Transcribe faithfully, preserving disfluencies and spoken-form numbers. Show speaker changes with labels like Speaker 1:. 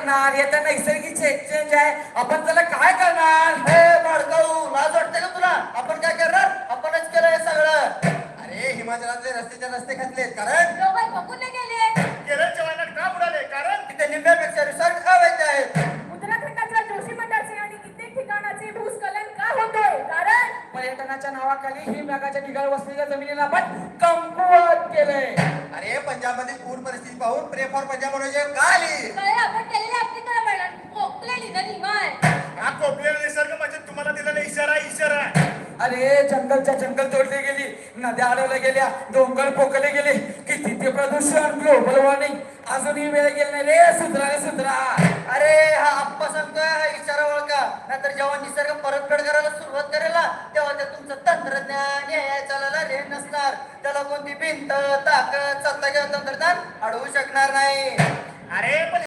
Speaker 1: करणार? हे तर नैसर्गिक चेंज आहे, आपण त्याला काय करणार?
Speaker 2: हे बाळकाऊ, लाज वाटते का तुला? आपण काय करणार? आपणच केलंय सगळं. अरे हिमाचलातले रस्त्याच्या रस्ते घातलेत कारण
Speaker 3: डोबाय बघून नाही गेले.
Speaker 4: केरळच्या वाहनात का बुडाले? कारण
Speaker 2: तिथे निम्म्यापेक्षा रिसॉर्ट अवैध आहेत.
Speaker 3: उत्तराखंडाच्या जोशी मठाचे आणि कित्येक ठिकाणाचे भूस्खलन का होतोय? कारण
Speaker 1: पर्यटनाच्या नावाखाली ही मेघाच्या ढिगाळ वसलेल्या जमिनीला आपण कमकुवत केलंय.
Speaker 2: अरे पंजाबमध्ये पूर परिस्थिती पाहून प्रे फॉर पंजाब म्हणून का आली?
Speaker 3: काय आपण केलेल्या आपली वर्णन कोकलेली ना निमाय.
Speaker 4: हा कोपलेला निसर्ग म्हणजे तुम्हाला दिलेला इशारा इशारा आहे.
Speaker 1: अरे जंगलच्या जंगल तोडली गेली, नद्या अडवल्या गेल्या, डोंगर पोकले गेले, किती ते प्रदूषण, ग्लोबल वॉर्मिंग. अजूनही वेळ गेला नाही रे सुधरा रे सुधरा.
Speaker 2: अरे हा आप्पा सांगतोय हा इशारा ओळखा, नाहीतर जेव्हा निसर्ग परतफेड करायला सुरुवात करेल ना तेव्हा ते तुमचं तंत्रज्ञान हे चालायला रे नसणार. त्याला कोणती भिंत ताकद सत्ता किंवा तंत्रज्ञान अडवू शकणार नाही.
Speaker 4: अरे पण